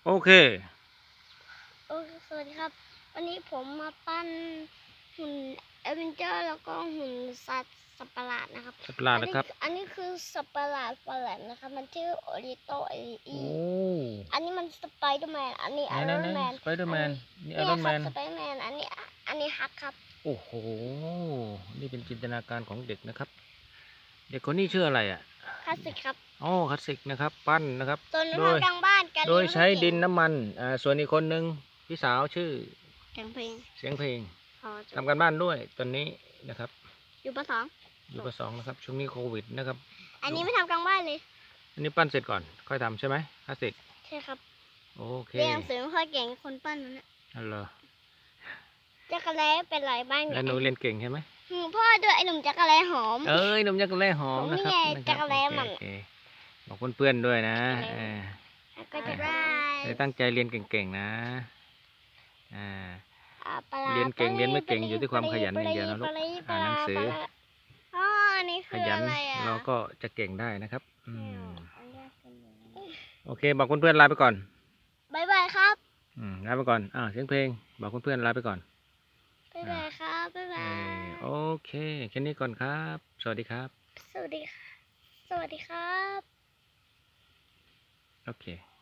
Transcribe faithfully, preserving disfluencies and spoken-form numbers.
โอเคโอเคสวัสดีครับวันนี้ผมมาปั้นหุ่นเอเวนเจอร์แล้วก็หุ่นสัตว์สัตว์ประหลาดนะครับสัตว์ประหลาดนะครับอันนี้คือสัตว์ประหลาดประหลาดนะครับมันชื่อโอริโตเอโอ้อันนี้มันสไปเดอร์แมนอันนี้ไอรอนแมนสไปเดอร์แมนนี่ไอรอนแมนสไปเดอร์แมนอันนี้อันนี้ฮักครับโอ้โหนี่เป็นจินตนาการของเด็กนะครับเด็กคนนี้ชื่ออะไรอ่ะคลาสสิกครับอ๋อคลาสสิกนะครับปั้นนะครับโดยทางบ้านกันโดยใช้ดินน้ำมันอ่าส่วนอีกคนหนึ่งพี่สาวชื่อเสียงเพลงเสียงเพลงทำทำการบ้านด้วยตอนนี้นะครับอยู่ปสองอยู่ปสองนะครับช่วงนี้โควิดนะครับอันนี้ไม่ทำกลางบ้านเลยอันนี้ปั้นเสร็จก่อนค่อยทำใช่ไหมคลาสสิกใช่ครับโอเคเรียนหนังสือไม่ค่อยเก่งคนปั้นนั่นแหละฮัลโหลจักรแล้เป็นไรบ้างแล้วหนูเรียนเก่งใช่ไหมพ่อด้วยไอ้หนุ่มจักรแล้หอมเอ้ยหนุ่มจักรแล้หอมนะครับจักรแล้มันบอกเพื่อนๆด้วยนะก็จะได้เลยตั้งใจเรียนเก่งๆนะเรียนเก่งเรียนไม่เก่งอยู่ที่ความขยันอย่างเดียวนะลูกอ่านหนังสือขยันเราก็จะเก่งได้นะครับโอเคบอกเพื่อนๆลาไปก่อนบายบายครับลาไปก่อนอ่าเสียงเพลงบอกเพื่อนๆลาไปก่อนบายบายครับบายบายโอเคแค่นี้ก่อนครับสวัสดีครับสวัสดีค่ะสวัสดีครับโอเค